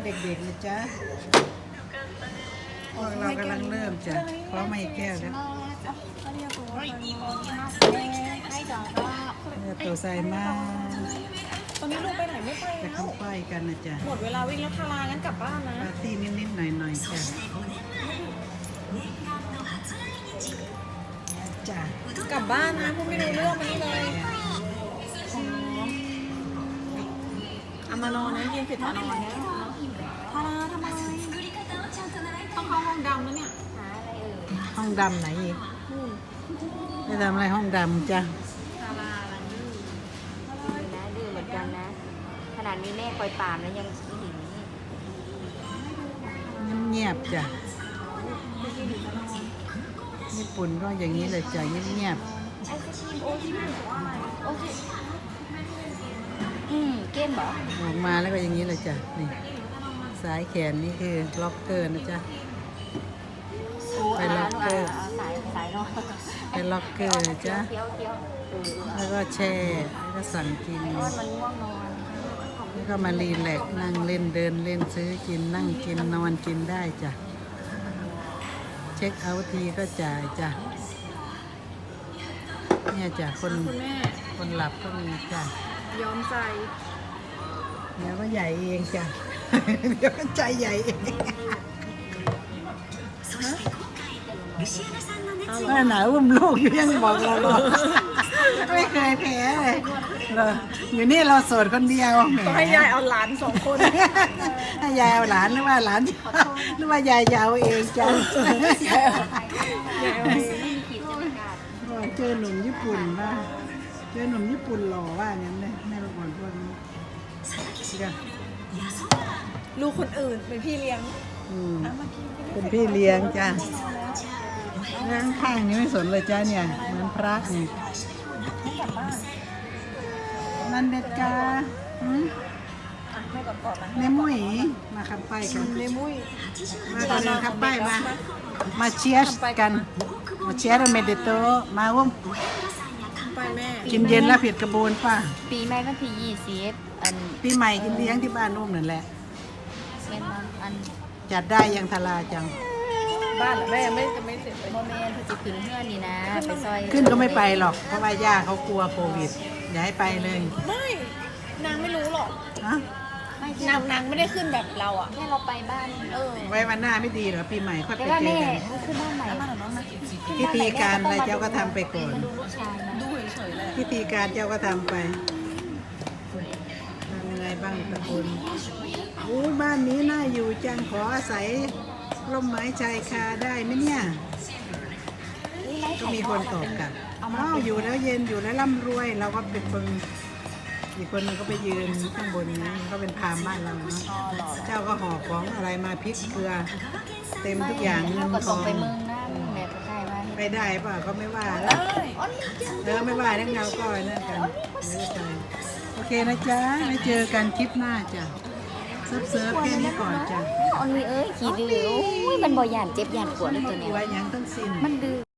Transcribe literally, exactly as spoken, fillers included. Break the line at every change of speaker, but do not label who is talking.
เด็กๆนะจ๊ะพวกเรากำลังเริ่มจ้ะเพราะไม่แก้วแล้วเนี่ยตัวใส่มาก
ตอนนี้ลูกไปไหนไม่ไป
จะ
แล้
เข้าว ไปกันนะจ๊ะ
หมดเวลาวิ่งแล้วทารางั้นกลับบ้านนะ
ปาร์ตี้นิดๆหน่อยๆจ้ะจ้ะ
กลับบ้านนะพูดไม่รู้เรื่องมานี่เลยเอามานอนนะยืนผิดมานอนนะทาราทำไมต้องเข้าห้องดำแล้วเนี่ย
ห้องดำไหนอีกไปทำอะไรห้องดำจ้ะ
ทาราอะไรนี่
นะดื้อเหมือนกันนะ ขนาดมีแม่คอยปรามแล้วยังขี้หึง
เงียบๆจ้ะญี่ปุ่นก็อย่างนี้เลยจ้ะเงียบ
ไอศครีมโอชิมโอชิอืมเกมเหรอ
ๆออกมาแล้วก็อย่างนี้เลยจ้ะนี่สายแขนนี่คือล็อกเกอร์นะจ๊ะ ไปล็อกเกอร์
าสายสายนอน
ไปล็อกเกอร์นะจ๊ะ
เคี้ยวเคี้ยวเออ
แล้วก็แช่แล้วก็สั่งกิน
ไอ้อ้อนมันง่วงนอน
แล้วก็มารีแลกซ์นั่งเล่นเดินเล่นซื้อกินนั่งกินนอนกินได้จ้ะเช็คเอาท์ทีก็จ่ายจ้ะเนี่ยจ้ะคน
คุณแม่
คนหลับก็มีจ้ะ
ยอมใจ
เดี๋ยวก็ใหญ่เองจ้ะ เดี๋ยวก็ใจใหญ่เอง
เอาเหรอ
แม่หนาอุ้มลูกอยู่ยังบอกเราหรอกไม่เคยแพ้เลยเหรออยู่นี่เราโสดคนเดียวแหม
ต้องให้ยายเอาหลานสองคน
ให้ยายเอาหลานหรือว่าหลานหรือว่ายายจะเอาเองจ้ะ
ยายเอาเอง
ไม่มีขีดจำกัด
บอกเจอหนุ่มญี่ปุ่นป่ะเจอหนุ่มญี่ปุ่นหล่อว่างั้นเลยแม่ลูกอ่อนพวกนี้จ้ะ
ลูกคนอื่นเป็นพี่เลี้ยง
อืม
เอามากินกัน
เป็นพี่เลี้ยงจ้ะแล้วข้างๆนี้ไม่สนเลยจ้ะเนี่ยเหมือนพระเนี่ย
ไม่กลับบ้าน
นันเด็ดกาหืม
อ่ะแม่กอดกอดนะ
เนมุยมาขับไปกัน
เลมุ้ย
มาตอนนี้ขับไปมา มาเชียร์กัน มาเชียร์เมเดโตมาวุ้ม
ไปแม่
กินเย็นแล้วผิดกระบวนป่ะ
ปีใหม่วันที่ยี่สิบอัน
ปีใหม่กินเลี้ยงที่บ้านนุ่มนั่นแหละ
แม่นอนอัน
จัดได้ยังทลาจัง
บ้านเหรอแม่ยังไม่จะไม่เสร็จเลย
โมเมนต์จะขึ้นเพื่อนนี่นะไปซอย
ขึ้นก็ไม่ไปหรอก เพราะว่าย่าเขากลัวโควิด อย่าให้ไปเลย
ไม่นางไม่รู้หรอก
ฮะ
ไม่
นางนางไม่ได้ขึ้นแบบเราอ่ะ
แค่เราไปบ้านเออ
ไว้วันหน้าไม่ดีเหรอปีใหม่ค่อย
แต่
ไป
ว่า
เจอ
แม่
กัน
ขึ้นบ้านใหม่
บ้านของน้องนะ
พิธีการอะไรเจ้าก็ทำไปก่อน
มาดูลูกชายนะ
ดูเฉยๆเลย
พิธีการเจ้าก็ทำไปทำยังไงบ้างตะคุณโอ้บ้านนี้น่าอยู่จังขออาศัยร่มไม้ชายคาได้ไหมเนี่ย ก็มีคนตอบกลับอ้าวอยู่แล้วเย็นอยู่แล้วร่ำรวย เราก็เป็นคนอีกคนนึงก็ไปยืนข้างบนนี้ก็เป็นพราหมณ์บ้านเราเนาะเจ้าก็ห่อของอะไรมาพริกเกลือ เต็มทุกอย่างเงิ
เรา
น
ก็
ท
ส่
อง ง
ไปเมืองนะแม่ก็ใกล้บ้าน
ไปได้ป่ะก็ไม่ว่า
ได้
เออไม่ว่าทั้งเราก็นั่นกันไม่ได้ใจโอเคนะจ๊ะไม่เจอกันคลิปหน้าจ้ะเซิร์ฟเซิร์ฟแค่นี้ก่อนจ้ะ
ออนมีเอ้ยขี่ดื้อโอ้ยมันบ่หยานเจ็บหยานปวดเลยตัวเนี้ย
ไว้ยังต้องสิ้น
มันดื้อ